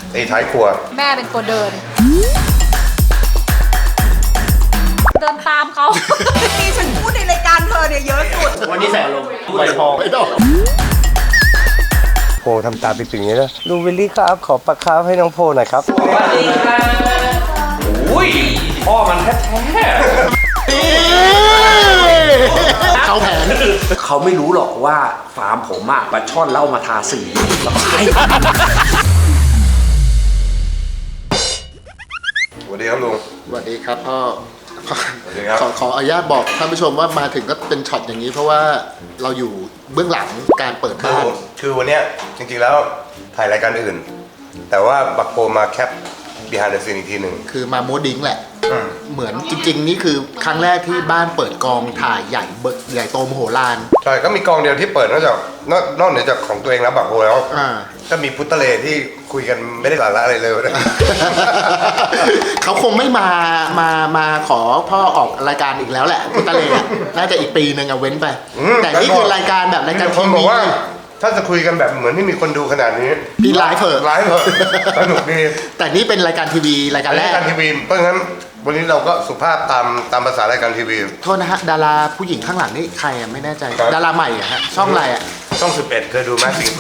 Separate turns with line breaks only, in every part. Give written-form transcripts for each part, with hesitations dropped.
ไอ้ท้ายครัว
แม่เป็นตัวเดินตามเขา
ที่ฉันพูดในรายการเธอเนี่ยเยอะสุด
วันนี้ใส่อารมณ์พูดอะไรพอไม่ต้อง
โพทำตาปิดๆอย่างนี้นะลุงวิลลี่ครับขอปลาคาร์ฟให้น้องโพหน่อยครับ
สวัสดีครับอุ้ยพ่อมันแท้เขาแผนเขาไม่รู้หรอกว่าฟาร์มผมอะปลาช่อนเล่ามาทาสีแล้วก็ขาย
สวัสดีครับลุง
สวัสดีครับพ่อ
สวัสดีครับ
ขออนุญาตบอกท่านผู้ชมว่ามาถึงก็เป็นช็อตอย่างนี้เพราะว่าเราอยู่เบื้องหลังการเปิดบ้าน
คือวันเนี้ยจริงๆแล้วถ่ายรายการอื่นแต่ว่าบักโปมาแคป behind the scene อีกทีหนึ่ง
คือมาโมดิ้งแหละเหมือนจริงๆนี่คือครั้งแรกที่บ้านเปิดกองถ่ายใหญ่โตมโหฬาร
ใช่ก็มีกองเดียวที่เปิดนอกเหนือจากของตัวเองแล้วบักโปแล้วก็มีพุทธเลที่คุยกันไม่ได้สาระอะไรเลย
เขาคงไม่มาขอพ่อออกรายการอีกแล้วแหละพุทธเลน่าจะอีกปีนึงเว้นไปแต่นี่คือรายการแบบรายการทีวี
ถ้าจะคุยกันแบบเหมือนที่มีคนดูขนาดนี้
พี่ไลฟ์เถอะ
สนุกดี
แต่นี่เป็นรายการทีวีรายการแรก
รายการทีวีเพราะงั้นวันนี้เราก็สุภาพตามภาษารายการทีวี
โทษนะฮะดาราผู้หญิงข้างหลังนี่ใครไม่แน่ใจดาราใหม่อะฮะช่องอะไรอะ
ช่อง11เคยดูไหมสิงโต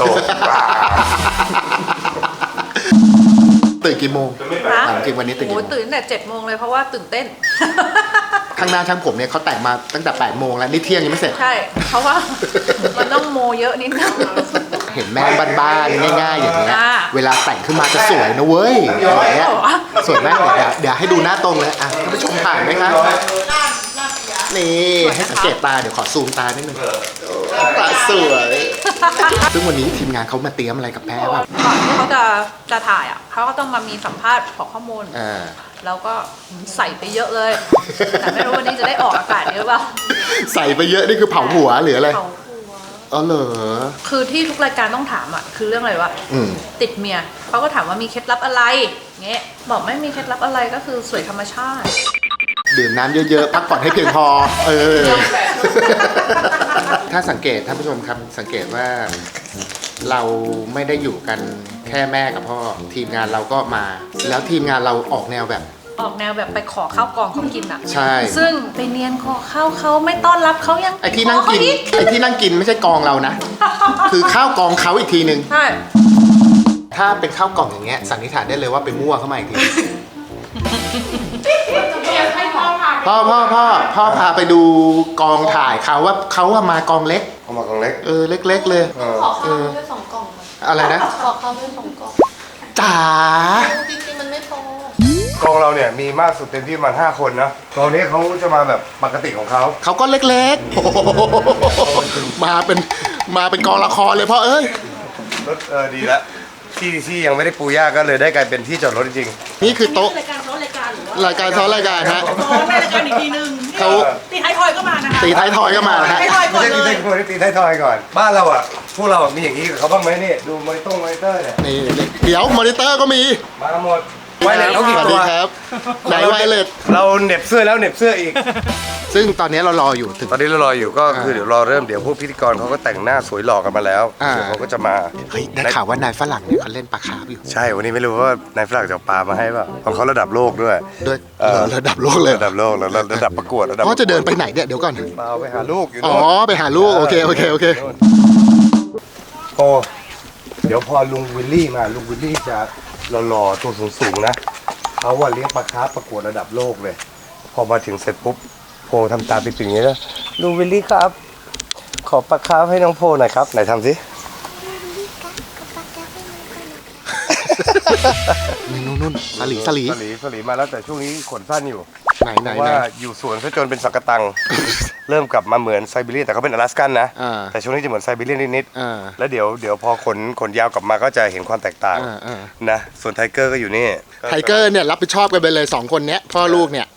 ตื่นกี่โมงจริงวันนี้ตื่นกี่โมง
ตื่นแต่7 โมงเลยเพราะว่าตื่นเต้น
ข้างหน้าช่างผมเนี่ยเขาแต่งมาตั้งแต่8 โมงแล้วนี่เที่ยงยังไม่เสร็จ
ใช่เพราะว่ามันต้องโมเยอะนิดนึง
เห็นแม่บ้านๆง่ายๆอย่างเงี้ยเวลาแต่งขึ้นมาจะสวยนะเว้ยอย่างเงี้ยสวยไหมเดี๋ยวให้ดูหน้าตรงเลยอ่ะท่านผู้ชมผ่านไหมครับนี่ให้สังเกตตาเดี๋ยวขอซูมตานิดนึงตาสวยซึ่งวันนี้ทีมงานเขามาเตรียมอะไรกับแพ้ป่ะ
ก่อนที่เขาจะถ่ายอ่ะเขาก็ต้องมามีสัมภาษณ์ขอข้อมูลแล้วก็ใส่ไปเยอะเลยแต่ไม่รู้วันนี้จะได้ออกอากาศหรือเปล่า
ใส่ไปเยอะนี่คือเผาหัวหรืออะไรอ๋อเหรอ
คือที่ทุกรายการต้องถามอ่ะคือเรื่องอะไรวะติดเมียเขาก็ถามว่ามีเคล็ดลับอะไรเงี้ยบอกไม่มีเคล็ดลับอะไรก็คือสวยธรรมชาติ
ดื่มน้ำเยอะๆพักผ่อนให้เพียงพอถ้าสังเกตท่านผู้ชมครับสังเกตว่าเราไม่ได้อยู่กันแค่แม่กับพ่อทีมงานเราก็มาแล้วทีมงานเราออกแนวแบบ
ไปขอข้าวกองเขากินอ่ะ
ใช่
ซึ่งไปเนียนขอข้าวเขาไม่ต้อนรับเขายัง
ไอ้ที่นั่งกินไม่ใช่กองเรานะคือข้าวกองเขาอีกทีนึง
ใช่
ถ้าเป็นข้าวกล่องอย่างเงี้ยสันนิษฐานได้เลยว่าไปมั่วเข้ามาอีกทีพ่อพาไปดูกองถ่ายเขาว่าเขามากองเล็ก
มากองเล็ก
เล็กๆเลย
ขอข้าวด้วย2 กล่อง
อะไรนะ
ขอข้าวด้วย2 กล่อง
จ๋า
จริงๆมันไม่พอก
องเราเนี่ยมีมากสุดเต็มที่มัน5 คนนะกองนี้เขาจะมาแบบปกติของเขา
ก็เล็กๆมาเป็นกองละครเลยพ่อเอ้ย
รถดีแล้วที่ยังไม่ได้ปูย่าก็เลยได้กลายเป็นที่จอดรถจริง
ๆนี่คือโต๊ะรายการซ้อนรายการฮะ
ซ้อนรายการอีกทีนึงเขาตีท้ายทอยก็มานะคะ
ตีท้ายทอยก็มาฮะ
ไม่ใช่ตีท้ายทอยก่อนบ้านเราอ่ะพวกเรามีอย่างนี้กับเขาบ้างไหมนี่ดูมอนิเตอร์เนี่ย
นี่เดี๋ยวมอนิเตอร์ก็มี
มาหมดไวเลสเขากี่ตัว
ครับไหนไวเลส
เราเหน็บเสื้อแล้วเหน็บเสื้ออีก
ซึ่งตอนนี้เรารออยู่
ตอนนี้เรารออยู่ก็คือเดี๋ยวรอเริ่มเดี๋ยวพวกพิธีกรเขาก็แต่งหน้าสวยหล่อกันมาแล้วเขาก็จะมา
เฮ้ยได้ข่าวว่านายฝรั่งเนี่ยเขาเล่นปลาคาร์ฟอยู่
ใช่วันนี้ไม่รู้ว่านายฝรั่งจะปลามาให้ป่ะของเขาระดับโลกด้วย
ระดับโลกเลย
ระดับโลกแล้วระดับประกวดระดับ
เขาจะเดินไปไหนเนี่ยเดี๋ยวก่อน
ไปหาลูกอยู่
อ๋อไปหาลูกโอเค
โอ้เดี๋ยวพอลุงวิลลี่มาลุงวิลลี่จะหล่อตัวสูงๆนะเขาว่าเลี้ยงปลาคาร์ฟประกวดระดับโลกเลยพอมาถึงเสร็จปุ๊บโพทำตาปิดๆอย่างนี้นะลุงวิลลี่ครับขอปลาคาร์ฟให้น้องโพหน่อยครับไหนทำสิ
นู่นสลี
มาแล้วแต่ช่วงนี้ขนสั้นอยู่
ไหน
ว่าอยู่สวนซะจนเป็นสังกะตังเริ่มกลับมาเหมือนไซบีเรียนแต่เขาเป็นอลาสกันนะแต่ช่วงนี้จะเหมือนไซบีเรียนนิดๆแล้วเดี๋ยวพอขนยาวกลับมาก็จะเห็นความแตกต่างนะส่วนไทเกอร์ก็อยู่นี่
ไทเกอร์เนี่ยรับผิดชอบกันไปเลย2 คนเนี้ยพ่อลูกเนี่ย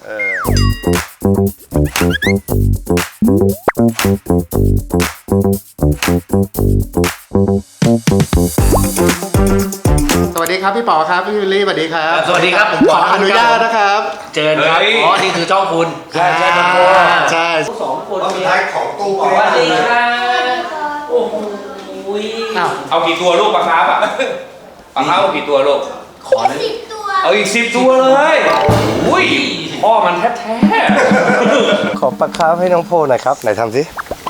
สวัสดีครับพี่ป๋อครับพี่วิลลี่สวัสดีครับ
สวัสดีครับ
ขออนุญาตนะครับ
เจอครับอ๋อนี่คือช่องคุณ
ใช่
2 คน
สุดท้ายของตู้
สวัสดีครับโอ้โห
เอากี่ตัวลูกปลาคาร์ฟอ่ะปลาคาร์ฟกี่ตัวลูก
ขอเลยเอาอีก10 ตัวเลยอุ้ยพ่อมันแท้
ขอปลาคาร์ฟให้น้องโพหน่อยครับไหนทำสิ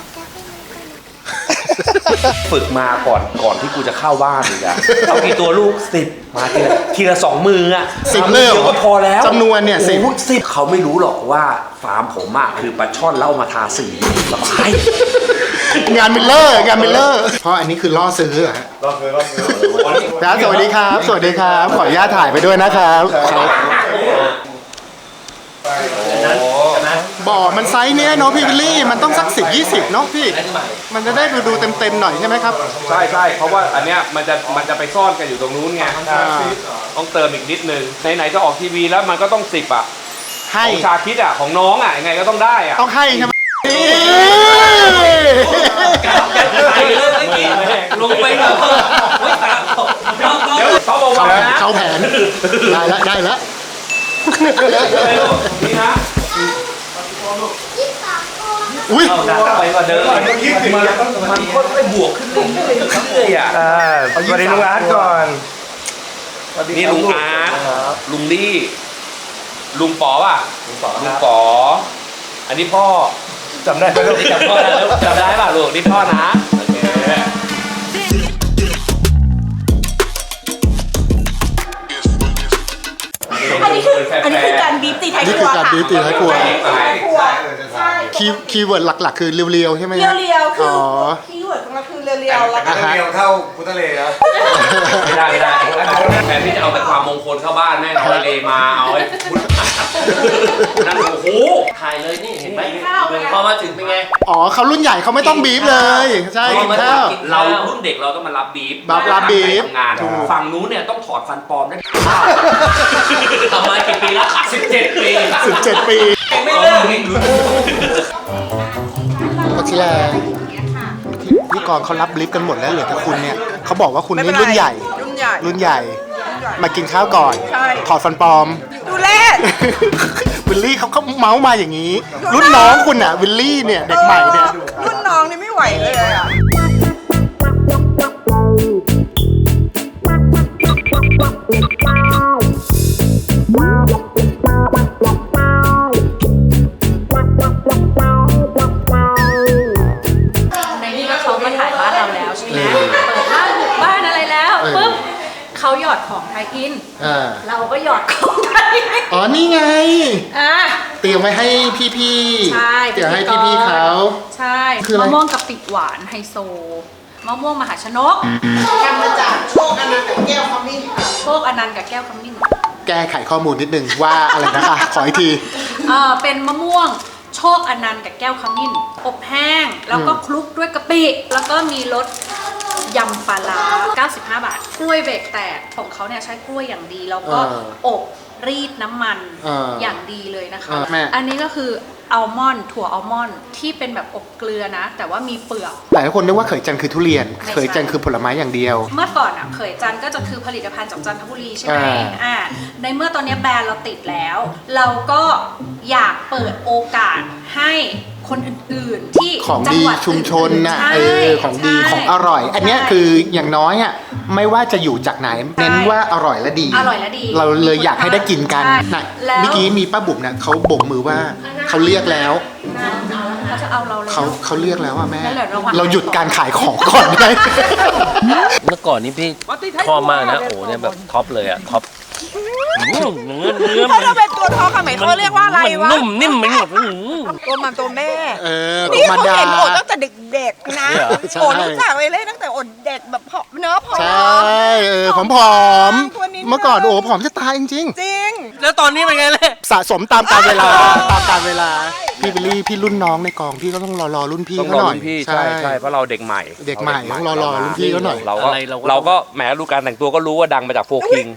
ๆฝึกมาก่อนที่กูจะเข้าบ้านอีกอะเอากี่ตัวลูก10มาทีละ2 มืออะ
10เลย
เดียวก็พอแล้ว
จำนวนเนี่ย10
โอ้โห10เขาไม่รู้หรอกว่าฟาร์มผมอะคือปลาช่อนเล่ามาทาสีสบาย
งานมิลเลอร์เพราะอันนี้คือล่อซื้อเหรอฮะ
รอบเลย
ครับสวัสดีครับ สวัสดีครับ ขออนุญาตถ่ายไปด้วยนะครับบ่อมันไซส์เนี้ยเนาะพี่วิลลี่มันต้องสัก10-20เนาะพี่ มันจะได้ดูเต็มหน่อยใช่ไหมครับ
ใช่เพราะว่าอันเนี้ยมันจะไปซ่อนกันอยู่ตรงนู้นไงต้องเติมอีกนิดนึงไหนๆจะออกทีวีแล้วมันก็ต้อง10อ่ะ
ให้
ของชาคิดอ่ะของน้องอ่ะยังไงก็ต้องได้อ่ะ
ต้องให้ใช่ไหม
ลงไปเลยเดี๋ยวเขาบอกว่านะ
เข้าแผนได้แล้ว
นี่นะ
อุ้ย
เอาหนักไปกว่าเดิมมันค่อยๆบวกขึ้นเรื่อยๆอ่ะ
สวัสดีลุงอาร์ตก่อน
นี่ลุงอาร์ตลุงลี่ลุงป๋อป่ะลุงป๋ออันนี้พ่อ
จำได้ไหมลูก
จำพ่อได้จำได้ป่ะลูกนี่พ่อนะโอเค
อันนี้คือการบีบตีไทย
นี่
ค
คื
รั
อ
ว
การ
ค่ะ
บีบตีท้ายครัว
ใช่
คีย์เวิร์ดหลักๆ คือเรียวๆใช่ไหม
เรียวๆคือ
อ๋อ
คีย์เวิร์ดของเราคือเรียวๆแล้วก็
เดียวเท่าพุทธเลนะ
ไม่ได้แทนที่จะเอาแต่ความมงคลเข้าบ้านแม่งเอาไอเลมาเอาไอ้พุทธนั่นโอ้โห
ถ่ายเลยนี่เห็นไหมพอมาถึงเป็นไง
อ๋อเขารุ่นใหญ่เขาไม่ต้องบีบเลย ใช่กินข้าว
เรารุ่นเด็กเราต้องมารับบีฟ
รับบีฟ
ทำงานฝั่งนู้นเนี่ยต้องถอดฟันปลอมได้
ทำมากี่ปีแล้ว
17 ปี
17 ปี
ไม่เลิกอีก
พัชิแลพี่กรณ์เขารับบลิฟกันหมดแล้วเหลือแต่คุณเนี่ยเขาบอกว่าคุณนี่รุ่นใหญ่ รุ่นใหญ่ มากินข้าวก่อน
ใช่
ถอดฟันปลอม
ดูแล
วิลลี่เขาเมาส์มาอย่างนี้ รุ่นน้องคุณอ่ะวิลลี่เนี่ยเด็กใหม่เนี่ย
รุ่นน้องนี่ไม่ไหวเลยอ่ะ
ในนี้ก็เขามาถ่ายบ้านเราแล้วใช่ไหมเปิดบ้านบุกบ้านอะไรแล้วปุ๊บเขาหยอดของไทยอิน เราก็หยอดของไทยอิน
อ๋อนี่ไง
อ่ะ
เตรียมไว้ให้พี่ๆ
ใช่
เตรียมให้พี่ๆเขา
ใช่
คืออะไร
มะม่วงกะปิหวานไฮโซมะม่วงมหาชนก
กันมาจากโชคอนันต์กับแก้วขมิ้นค่ะ
โชคอนันต์กับแก้วขมิ้น
แก้ไขข้อมูลนิดนึงว่าอะไรนะคะ ขออีกที
เป็นมะม่วงโชคอนันต์กับแก้วขมิ้นอบแห้งแล้วก็คลุกด้วยกะปิแล้วก็มีรสยำปลาร้า95 บาทกล้วยเบรกแตกของเขาเนี่ยใช้กล้วยอย่างดีแล้วก็อบรีดน้ำมันอย่างดีเลยนะคะ อันนี้ก็คืออัลมอนด์ถั่วอัลมอนด์ที่เป็นแบบอบเกลือนะ แต่ว่ามีเปลือก
หลายคนนึกว่าเขยจันทร์คือทุเรียน เขยจันทร์คือผลไม้อย่างเดียว
เมื่อก่อนอ่ะเขยจันทร์ก็จะคือผลิตภัณฑ์จากจันทบุรีใช่ไหมในเมื่อตอนนี้แบรนด์เราติดแล้ว เราก็อยากเปิดโอกาสให้คนอื่นๆที่
ของ
จั
ดี
หวัด
ชุมชนน่ะ
ใช่
ของดี
ใช่
ของอร่อย อันเนี้ยคืออย่างน้อยอ่ะไม่ว่าจะอยู่จากไหน เน้นว่าอร่อยและดี
อร่อยและดี
เราเลยอยากให้ได้กินกัน
ใช่
นะ
แล้ว
เมื่อกี้มีป้าบุ๋มนะเขาโบกมือว่าเขาเรียกแล้ว
เขาจะเอาเราเลย
เขาเรียกแล้วอ่ะแม่
แล้วเหลือระหว่าง
เราหยุดการขายของก่อนได้
เมื่อก่อนนี้พี่ชอบมากนะโอ้เนี่ยแบบท็อปเลยอะท็อปเนื้อ
เขาจะเป็นตัวทอค่ะหมายเขาเรียกว่าอะไรวะ
นุ่มนิ่มไปหมด
ตัวมันตัวแม่
ตัว
นี่
มัน
เขา
ดา
เห็นโอดตั้งแต่เด็กๆนะ
ใช่
โอดรู้จักเลยตั้งแต่โอดเด็กแบบเนื้อผอม
ใช่ผอม
ตัวนิดนึง
เมื่อก่อนโอ้ผอมจะตายจริง
จริง
แล้วตอนนี้เป็นไงเลย
ๆ สะสมตามกาลเวลาตามกาลเวลาพี่บิลลี่พี่รุ่นน้องในกองพี่ก็ต้องรอรุ่นพี่
ต้อง
เขา
รอ
หน่อย
รุ่นพี่ใช่เพราะเราเด็กใหม่
เด็กใหม่ต้องรอรุ่นพี่เขาหน่อย
เราก็แหมดูการแต่งตัวก็รู้ว่าดังมาจากโฟร์คิง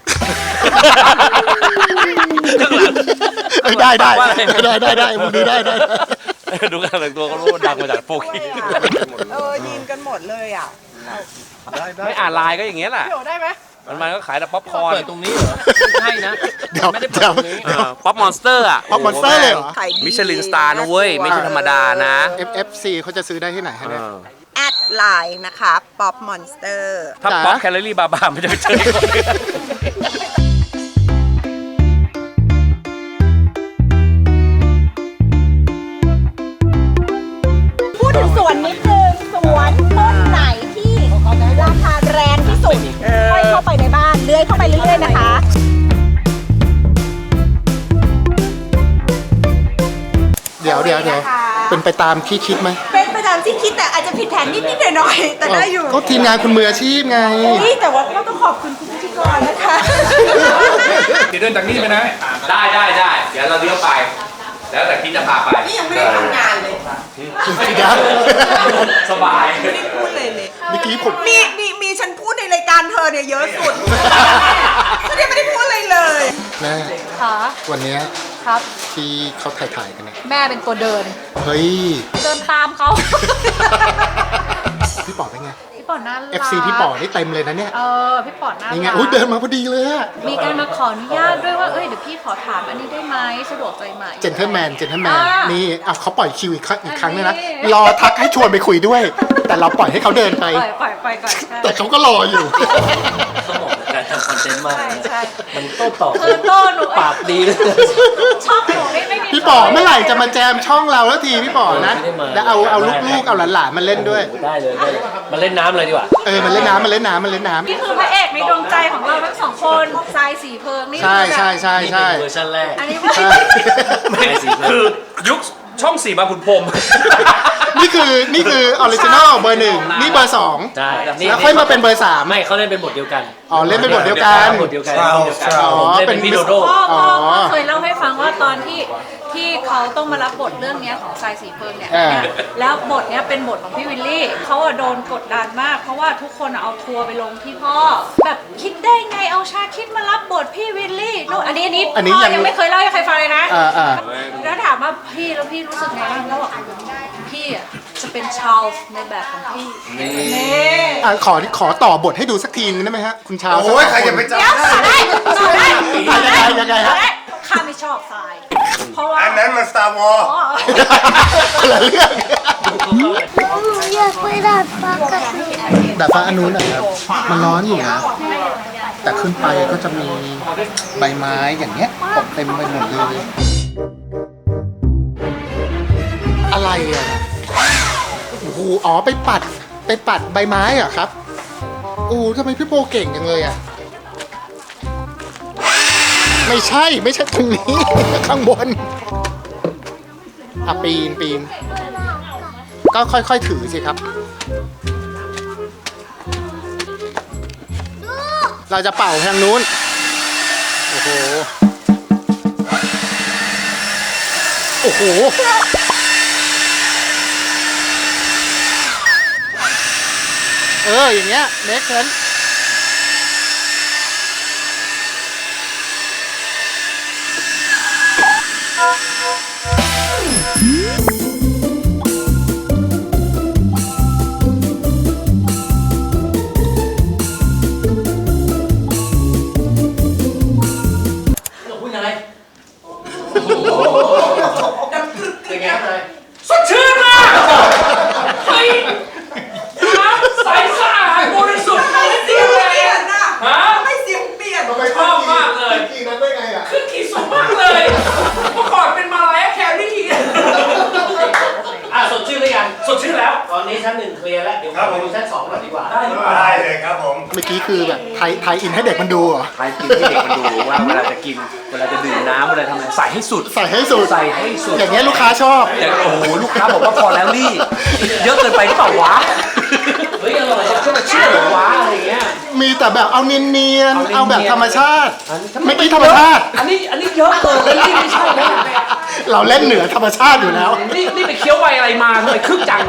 ได้มึงดูได้
ดูการแต่งตัวก็รู้ว่าดังมาจากโฟร์คิง
ยินกันหมดเลยอ่ะ
ไม่อ่านไลน์ก็อย่างเงี้ยแหละ
เดี๋ยวได้ไหม
มันก็ขายแต่ป๊อปคอร์น
เปิดตรงนี้เหรอใช่นะ
เดี๋ยว
ไม่ได้เปิดตรงนี้
ป๊อปมอนสเตอร์อ่ะ
Pop Monster เลยเหรอ
มิชลินสตาร์นะเว้ย ไม่ใช่ธรรมดานะ
FFC เขาจะซื้อได้ที่ไหนฮะเนี่ย
แอดไลน์นะคะป๊อปมอนสเตอร์
ถ้าป๊อปแคลอรี่บาร์มันจะไปเจอคน
ดี๋ยวเป็นไปตามที่คิดไหม
เป็นไปตามที่คิดแต่อาจจะผิดแผนนิดๆหน่อยๆแต่ได้อยู่
ก็ทีมงานคุณมืออาชีพไง
นี่แต่ว่าก็ต้องขอบคุณคุณพิธีกรนะคะ
เดี๋ยวเดินจากนี่ไปนะ ได้ เดี๋ยวเราเลี้ยวไป แล้วแต่พี่จะพาไป
นี่ยังไม่ได้ทำงานเลย
สบาย
ไม่ได้พูดเลย
เมื่อกี้ผม
มีฉันพูดในรายการเธอเนี่ยเยอะสุดฉันยังไม่ได้พูดอะไรเลย
แม่
ค่ะ
วันเนี้ย
ครับ
ที่เขาถ่ายกันเนี่ย
แม่เป็นตัวเดิน
เฮ้ย
เดินตามเขา
พี่ป๋อเป็นไง
พี่ป๋อน่ารัก
FC พี่ป๋อนี่เต็มเลยนะเนี่ย
พี่ป๋อน่ารัก
นี่ไงอุ้ยเดินมาพอดีเลยอะ
มีการมาขออนุญาตด้วยว่า เอ้ย เดี๋ยวพี่ขอถามอันนี้ได้ไหมสะดวกใจไหม
เจนเทอร์แมน
อ่
นี่
า
เขาปล่อยคิวอีกครั้งเลยนะ
อันนี้
รอทักให้ชวนไปคุยด้วย แต่เราปล่อยให้เขาเดินไป
ปล่อยก่อนใช่
แต่เขาก็รออยู่
สมองการทำคอนเทนต์มากเลย
ใช่
มันโต้ตอบ
คือโต้หนู
ปากดีเลย
ชอบหนูไม่มี
พี่ป๋อเมื่อไหร่จะมาแจมช่องเราแล้วทีพี่ป๋อนะ
ไม่ได้มา
แล้วเอาลูกๆเอาหลานๆมาเล่นด้วย
ได้เลยมาเล่นน้ำเลยดีกว่า
มันเล่นน้ำ
นี่คือพระเอกในดวงใจของเราทั้งสองคนทรายสีเพิงนี่
ใช่
คือแบบ
ใช่
นี่
ใช่
เป็นเวอร์ชันแรก
อันนี้ว่า
ใช่
ไม่สีเพิ่ม
คือยุคช่อง4บางขุนพรหม
นี่คือออริจินอลเบอร์ 1นี่เบอร์ 2
ใช่
แล้วค่อยมาเป็นเบอร์ 3
ไม่เขาเล่นเป็นบทเดียวกัน
อ๋อเล่นเป็นบทเดียวกัน
บทเดียวกัน
อ๋อ
ผมเล่นเป็นพี่โดโด
พ่อ
อ๋อ
เคยเล่าให้ฟังว่าตอนที่เขาต้องมารับบทเรื่องเนี้ยของทรายสีเพิงเนี่ย
อ่า
แล้วบทเนี้ยเป็นบทของพี่วิลลี่เขาอะโดนกดดันมาก เพราะว่าทุกคนอะเอาทัวร์ไปลงที่พ่อ แบบคิดได้ไงเอาชาคิดมารับบทพี่วิลลี่นู่นอันนี้พ่อยังไม่เคยเล่าให้ใครฟังเลยนะ
อ่า
แล้วถามว่าพี่รู้สึกไงบ้างแล้วบอกพี่อะจะเป็นชาลส์ในแบบของพี่นี่
ขอต่อบทให้ดูสักทีนึงได้ไหมฮะคุณชาว
โอ้ยใครจะไปจำ
เดี๋ยวต่อได้
ยังไงฮะ
ข้าไม่ชอบทราย เพราะว่า
อันนั้นมัน Star Wars
อ๋อ
คนละเรื่อง
อยากไปดาดฟ้ากับพี่
แต่ฟ้าอันนู้นนะครับมันร้อนอยู่นะ แต่ขึ้นไปก็จะมีใบไม้อย่างเงี้ยตกเต็มไปหมดเลย อะไรอ่ะโอ้โหอ๋อไปปัดใบไม้เหรอครับโอ้ทำไมพี่โปเก่งจังเลยอ่ะไม่ใช่ตรงนี้ ข้างบนปีนก็ค่อยๆถือสิครับ เราจะเป่าทางนู้น โอ้โห โอ้โห อย่างเงี้ยเน็กเซน
สดชื่นมากเฮ้ยน้ำใสสะอาดบริสุทธิ์ไม่เสียเลยฮะ
ไม่เสียงเปลี่ยน
ชอบมากเลย
กี่นั้นได้ไงอ่ะ
ขึ้นขี่สูงมากเลย เมื่อก่อนเป็นมาลายแครี่
สดชื่นหรือยัง
สดชื่นแล้ว
ตอนนี้ชั้น 1เคลียร์แล้ว เดี๋ยวไปดูชั้น 2ก่อนดีกว่า
ได้เลยครับผม
เมื่อกี้คือแบบไทยอินให้เด็กมันดูเหรอ
ใครกินให้เด็กมันดูว่าเวลาจะกิน เวลาจะดื่มน้ำเวลาทำอะไรใส่ให้สุด
ใส่ให้สุด
ใส่ให้สุด
อย่างเงี้ยลูกค้าชอบ
แต่โอ้โหลูกค้าบอกว่าพอแล้วลี่ เยอะเกินไปหรือเปล่าวะ
เฮ้ยอร่อยจัง
จะเชื่อเหรอวะอะไรอย่างเงี้ย
มีแต่แบบเอาเนียนๆ เอาแบบธรรมชาติ
อันนี้
เมื่อกี้ธรรมชาติ
อันนี้เยอะเกินแล้วลี่ไม่ใช่แล้ว
เราเล่นเหนือธรรมชาติอยู่แล้ว
นี่ไปเคี้ยวใบอะไรมาทำไมคึกจัง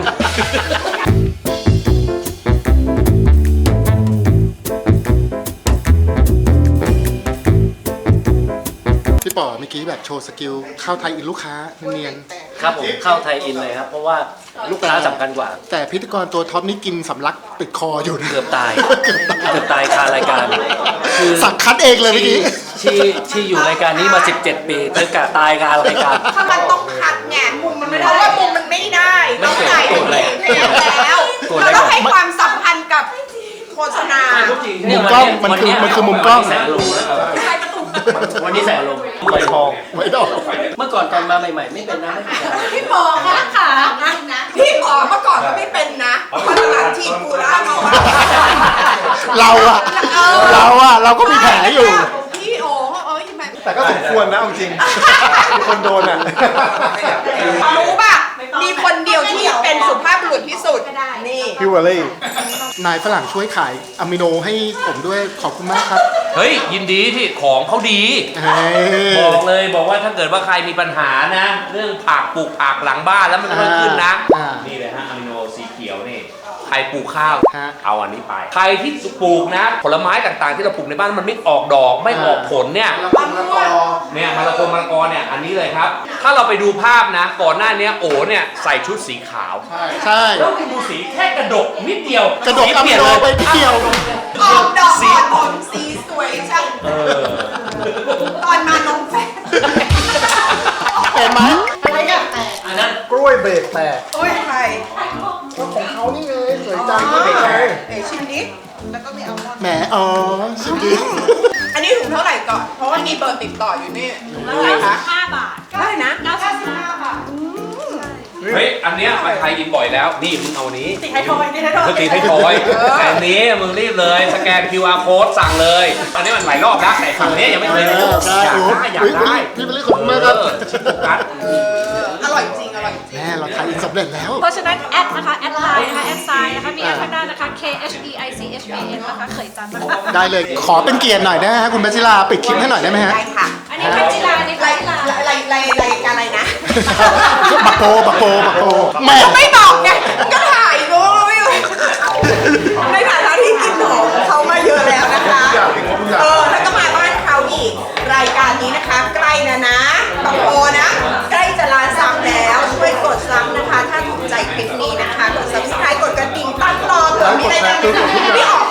พี่ป๋อเมื่อกี้แบบโชว์สกิลเข้าไทยอินลูกค้าเนียน
ครับผมเข้าไทยอินเลยครับ เพราะว่าลูกค้าสำคัญกว่า
แต่พิธีกรตัวท็อปนี่กินสำลักติดคออยู่นะ
เกือบตาย เกือบตายคารายการ คือ
สั่งคัดเองเลยเมื่อกี้
ที่อยู่รายการนี้มา 17 ปีเธอกะตายคารายการ
ถ้ามันต้องคัดไงมุมมันไม่ได้เพราะว่ามุมมันไม่ได้
ไม่
ต้อง
เกี่ยว
ถ่าย
โกรธอะไร
แล้ว
โกรธอะไร
เราต้องให้ความสัมพันธ์กับโฆษณา
มุมกล้องมันคือมุมกล้อง
แสงลม
ใช่ประตู
วันนี้แสงลมไฟทอง
ไม่ต้อง
เมื่อก่อนตอนมาใหม่ๆ ไม่เป็นนะไม่เป็นนะ
พี่หมอคะค่ะพี่หมอเมื่อก่อนก็ไม่เป็นนะพอหลังทีกูแล้วมาว่า
เราก็มีแผลอยู่
พี่โอ๋ทำไม
แต่ก็สมควรนะเอาจริงมีคนโดนอ่ะ
รู้ป่ะ มีคนเดียวที่เป็นสุภาพบุรุษที่สุด นี่
พี่วอลลี่นายฝรั่งช่วยขายอะมิโนให้ผมด้วยขอบคุณมากครับ
เฮ้ย ยินดีที่ของเขาดี
เฮ้ย
บอกเลยบอกว่าถ้าเกิดว่าใครมีปัญหานะ เรื่องผักปลูกผักหลังบ้านแล้วมันเพิ่มขึ้นนะ นี่เลยฮะอะมิโนสีเขียวนี่ ใครปลูกข้าว
ฮะ
เอาอันนี้ไป ใครที่ปลูกนะ ผลไม้ต่างๆ ที่เราปลูกในบ้านมันไม่ออกดอกไม่ออกผลเนี่ย เนี่ยมะละกอเนี่ยอันนี้เลยครับ ถ้าเราไปดูภาพนะ ก่อนหน้านี้โอเนี่ยใส่ชุดสีขาว
ใช่
แล้วคุณดูสีแค่กระดกนิดเดียว
กระดก
สี
อะ
เป
มิ
ลี่ยน
โน
เลย
ไปนิดเดียว
ออกดอกอ่อนผมสีสวยจัง
เออ
ตอนมานมแฟน
เห็นไหม
อะไรกัน
อันนั้น
กล้วยเบรกแตก
โอ้ยใคร
ก็ของเขานี่ไงสวยจังกล้วยเบรกแตก
เอ๋ชิมดิแล้วก็ไม่เอามอน
แหมอ๋อชิมดิ
อันนี้ถุงเท่าไหร่ก่อน เพราะว่ามีเบอร์ติดต่ออยู่นี่ถุงเท่าไหร่คะ
5 บาท
เท่าไหร่นะ
95 บาท
เฮ้ย อันเนี้ยมันไทยอินบ่อยแล้ว นี่มึงเอาอันนี้
ติดไทยทอยติดไทยทอย
คือตีไทยทอยแต่อันนี้มึงรีบเลย สแกน QR code สั่งเลย อันนี้มันหลายรอบแล้วแต่ฝั่งนี้ยังไม่เคย
ได้
อยาก
โอ้
ได้อยาก
อุ๊ย
ได้
พี่เป็นเรื่องของคุณมากครับ
ชิโกกัส
อร่อยจริง อร่อยจริง
แม่เราทายอินสำเร็จแล้ว
เพราะฉะนั้นแอดนะคะ แอดไลน์นะคะ แอดไซน์นะคะ มีแอดข้างหน้านะคะ KHEICHBN นะคะเขยจันนะคะ
ได้เลยขอเป็นเกียรติหน่อยได้ไหมฮะคุณพัชราปิดคลิปให้หน่อยได้ไหมฮะ
ได้ค่ะ
อันนี้พัชรานี่
ราย
พัชรา
รายการอะไรนะ
บักโปแม่
ไม่บอกไงก็ถ่ายรู้ไม่รู้ในฐานะที่กินของเขามาเยอะแล้วนะคะ ถ้าก็มาบ้านเขาอีก รายการนี้นะคะ ใกล้แล้วนะบางโพนะ ใกล้จะล้านซับแล้ว ช่วยกดซับนะคะ ถ้าถูกใจคลิปนี้นะคะ กด subscribe กดกระดิ่งตั้งรอเผื่อมีอะไรบ้างพี่อ๋อ